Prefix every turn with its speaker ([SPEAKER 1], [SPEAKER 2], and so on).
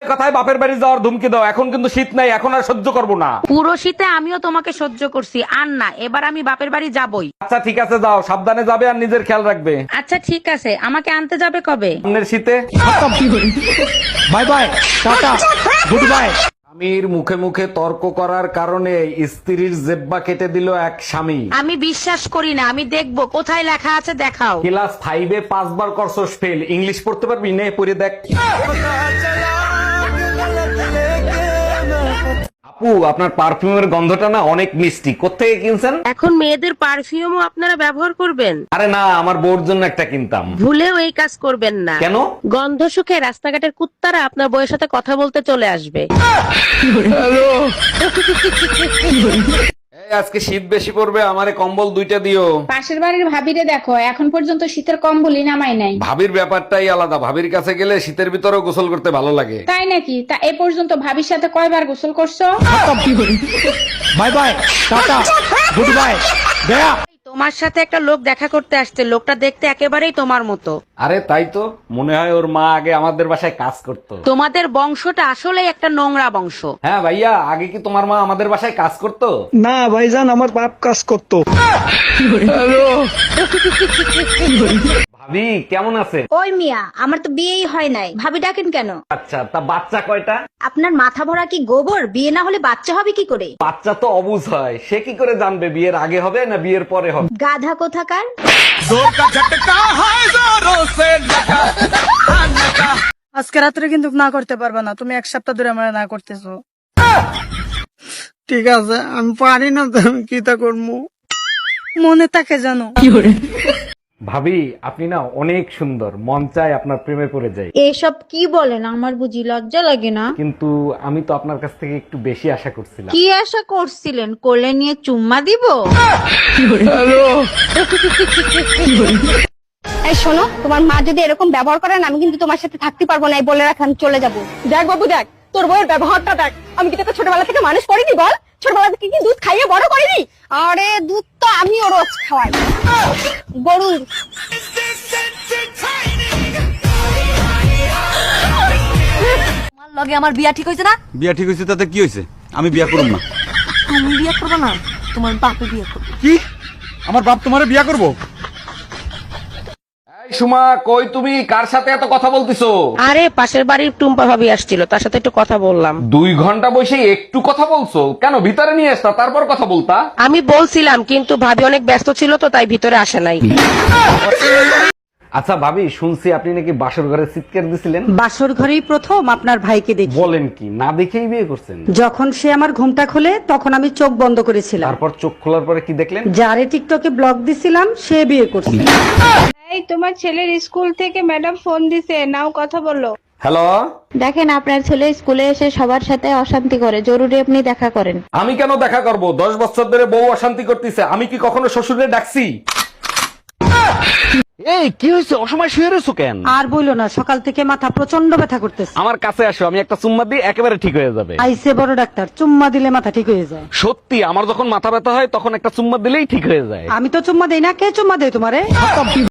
[SPEAKER 1] কথায় বাপের বাড়ি যাওয়ার ধুমকি দাও, এখন কিন্তু শীত নাই, এখন আর সহ্য করবো না।
[SPEAKER 2] পুরো শীতে আমিও তোমাকে সহ্য করছি, আর না, এবার আমি বাপের বাড়ি যাবই।
[SPEAKER 1] আচ্ছা ঠিক আছে, যাও, সাবধানে যাবে আর নিজের খেয়াল রাখবে।
[SPEAKER 2] আচ্ছা ঠিক আছে, আমাকে আনতে যাবে কবে?
[SPEAKER 1] সামনের শীতে।
[SPEAKER 3] Bye bye, tata, good bye.
[SPEAKER 1] স্বামীর মুখে মুখে তর্ক করার কারণে স্ত্রীর জেব্বা কেটে দিল এক স্বামী।
[SPEAKER 2] আমি বিশ্বাস করি না, আমি দেখবো কোথায় লেখা আছে, দেখাও।
[SPEAKER 1] ক্লাস 5-এ 5 বার করছস ফেল, ইংলিশ পড়তে পারবি? নে পড়ে দেখ। আপু, আপনার পারফিউমের গন্ধটা না অনেক মিষ্টি, কোত্থেকে কিনছেন?
[SPEAKER 2] এখন মেয়েদের পারফিউমও আপনারা ব্যবহার করবেন?
[SPEAKER 1] আরে না, আমার বউর জন্য একটা কিনতাম।
[SPEAKER 2] ভুলেও এই কাজ করবেন না।
[SPEAKER 1] কেন?
[SPEAKER 2] গন্ধ শুকে রাস্তাঘাটের কুত্তারা আপনার বউয়ের সাথে কথা বলতে চলে আসবে।
[SPEAKER 1] এই, আজকে শীত বেশি পড়বে, আমারে কম্বল 2টা দিও।
[SPEAKER 4] পাশের বাড়ির ভাবিরে দেখো, এখন পর্যন্ত শীতের কম্বলই নামাই নাই।
[SPEAKER 1] ভাবির ব্যাপারটাই আলাদা, ভাবির কাছে গেলে শীতের ভিতরেও গোসল করতে ভালো লাগে।
[SPEAKER 4] তাই নাকি? তা এ পর্যন্ত ভাবির সাথে কয়বার গোসল করছো?
[SPEAKER 3] Bye bye, tata, good bye, গয়া।
[SPEAKER 2] তোমার সাথে একটা লোক দেখা করতে আসছে, লোকটা দেখতে একেবারেই তোমার মতো।
[SPEAKER 1] আরে তাই তো, মনে হয় ওর মা আগে আমাদের বাসায় কাজ করতো।
[SPEAKER 2] তোমাদের বংশটা আসলেই একটা নোংরা বংশ।
[SPEAKER 1] হ্যাঁ ভাইয়া, আগে কি তোমার মা আমাদের বাসায় কাজ করতো?
[SPEAKER 3] না ভাইজান, আমার বাপ কাজ করতো।
[SPEAKER 1] ভাবি কেমন আছেন?
[SPEAKER 5] ওই মিয়া, আমার তো বিয়েই হয় নাই, ভাবি ডাকেন কেন?
[SPEAKER 1] আচ্ছা, তা বাচ্চা কয়টা?
[SPEAKER 5] আপনার মাথা ভরা কি গোবর? বিয়ে না হলে বাচ্চা হবে কি করে?
[SPEAKER 1] বাচ্চা তো অবুঝ হয়, সে কি করে জানবে বিয়ের আগে হবে না বিয়ের পরে হবে?
[SPEAKER 5] গাধা কোথাকার।
[SPEAKER 6] আজকে রাত্রে কিন্তু না করতে পারবে না, তুমি 1 সপ্তাহ ধরে আমার না করতেছো।
[SPEAKER 3] ঠিক আছে, আমি পারি না তো, আমি কি তা করবো?
[SPEAKER 6] মনে থাকে জানো।
[SPEAKER 1] ভাবি, আপনি না অনেক সুন্দর, মন চায় আপনার প্রেমে পড়ে যাই।
[SPEAKER 5] এসব কি বলেন? আমার বুঝি লজ্জা লাগে না?
[SPEAKER 1] কিন্তু আমি তো আপনার কাছ থেকে একটু বেশি আশা করছিলাম।
[SPEAKER 5] কি আশা করছিলেন? কোলে নিয়ে চুম্মা দিব?
[SPEAKER 7] এই শোনো, তোমার মা যদি এরকম ব্যবহার করেন, আমি কিন্তু তোমার সাথে থাকতে পারবো না, এই বলে রাখ, আমি চলে যাবো। দেখ বাবু দেখ, তোর বউয়ের ব্যবহারটা দেখ। আমি কি তোকে ছোটবেলা থেকে মানুষ করিনি বল? ছোটবেলা থেকে কি দুধ খাইয়ে বড় করিনি? আরে দুধ তো আমিও রোজ খাওয়াই, গরুর।
[SPEAKER 8] তোমার লগে আমার বিয়া ঠিক হয়েছে না?
[SPEAKER 9] বিয়া ঠিক হয়েছে তাতে কি হয়েছে? আমি বিয়া করব না।
[SPEAKER 8] তুমি বিয়া করবে না, তোমার বাপে বিয়া করবে।
[SPEAKER 9] কি? আমার বাপ তোমারে বিয়া করব?
[SPEAKER 1] এই সুমা, কই তুমি? কার সাথে এত কথা বলতিছো?
[SPEAKER 2] আরে পাশের বাড়ির টুম্পা ভাবি আসছিল, তার সাথে একটু কথা বললাম।
[SPEAKER 1] 2 ঘন্টা বসে একটু কথা বলছো কেন? ভিতরে নিয়ে আসতা, তারপর কথা বলতা।
[SPEAKER 2] আমি বলছিলাম, কিন্তু ভাবি অনেক ব্যস্ত ছিল তো, তাই ভিতরে আসে নাই।
[SPEAKER 1] আচ্ছা ভাবি, শুনছি আপনি নাকি বাসর ঘরে চিৎকার দিছিলেন।
[SPEAKER 10] বাসর ঘরেই প্রথম আপনার ভাইকে দেখি।
[SPEAKER 1] বলেন কি? না দেখেই বিয়ে করছেন?
[SPEAKER 10] যখন সে আমার ঘুমটা খোলে তখন আমি চোখ বন্ধ করেছিলাম।
[SPEAKER 1] তারপর চোখ খোলার পরে কি দেখলেন?
[SPEAKER 10] যারে টিকটকে ব্লগ দিছিলাম সে বিয়ে করছে।
[SPEAKER 4] এই, তোমার ছেলের স্কুল থেকে ম্যাডাম ফোন দিছে, নাও কথা বলো।
[SPEAKER 1] হ্যালো,
[SPEAKER 7] দেখেন, আপনার ছেলে স্কুলে এসে সবার সাথে অশান্তি করে, জরুরি আপনি দেখা করেন।
[SPEAKER 1] আমি কেন দেখা করব? 10 বছর ধরে বউ অশান্তি করতেছে, আমি কি কখনো শ্বশুরে ডাকছি? এই কি হয়েছে? অসময় শুয়ে রয়েছো কেন?
[SPEAKER 10] আর বইলো না, সকাল থেকে মাথা প্রচন্ড ব্যথা করতেছে।
[SPEAKER 1] আমার কাছে আসো, আমি একটা চুম্মা দিই, একেবারে ঠিক হয়ে যাবে।
[SPEAKER 10] আইসে বড় ডাক্তার, চুম্মা দিলে মাথা ঠিক হয়ে যায়।
[SPEAKER 1] সত্যি, আমার যখন মাথা ব্যথা হয় তখন একটা চুম্মা দিলেই ঠিক হয়ে যায়।
[SPEAKER 10] আমি তো চুম্মা দেই না, কে চুম্মা দেয় তোমারে?